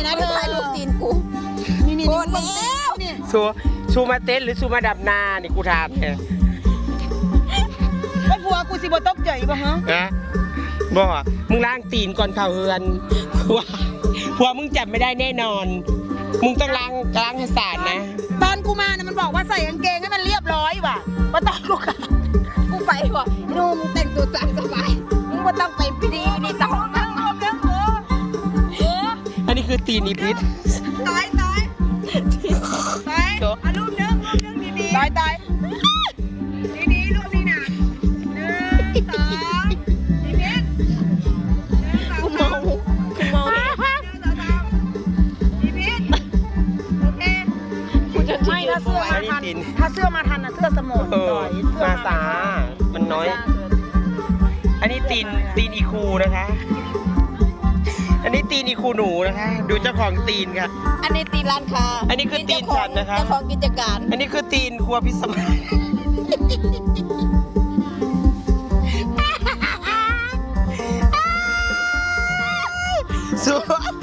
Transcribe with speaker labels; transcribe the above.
Speaker 1: นะเธอถ่ายรูปตีนกูนี่โกรธแล้วนี่
Speaker 2: ชูมาเต้นหรือชูมาดับนานี่กูถามแค่
Speaker 1: แล้วผัวกูสิบ่ตกใจป่ะฮะ
Speaker 2: บอกมึงล้างตีนก่อนเข้าเฮือนผัวมึงจับไม่ได้แน่นอนมึงต้องล้างให้สะอาดนะ
Speaker 1: ตอนกูมาเนี่ยมันบอกว่าใส่กางเกงให้มันเรียบร้อยว่ะมาตอนกูไปว่ะนุ่มแต่งตัวสบายมึงว่าต้องไปพิธีนี่ต้องนั่งรวมเรื่องหัว
Speaker 2: อันนี้คือตีนอีพิษ
Speaker 1: ตายเอารูปเรื่องดีๆตายดีๆรูปนี้นะ1 2อีพิษกูเมาอีพิษโอเคไม่ถ้าเสื้อมาทันนะเสื้อสมอง
Speaker 2: มาสามันน้อยอันนี้ตีนอีคูนะคะอันนี้ตีนอีคูหนูนะคะดูเจ้าของตีนค่ะ
Speaker 1: อันนี้ตีนร้านค้า
Speaker 2: อันนี้คือตีนฉันนะคะ
Speaker 1: เจ้าของกิจการ
Speaker 2: อันนี้คือตีนครัวพิสมัยสวย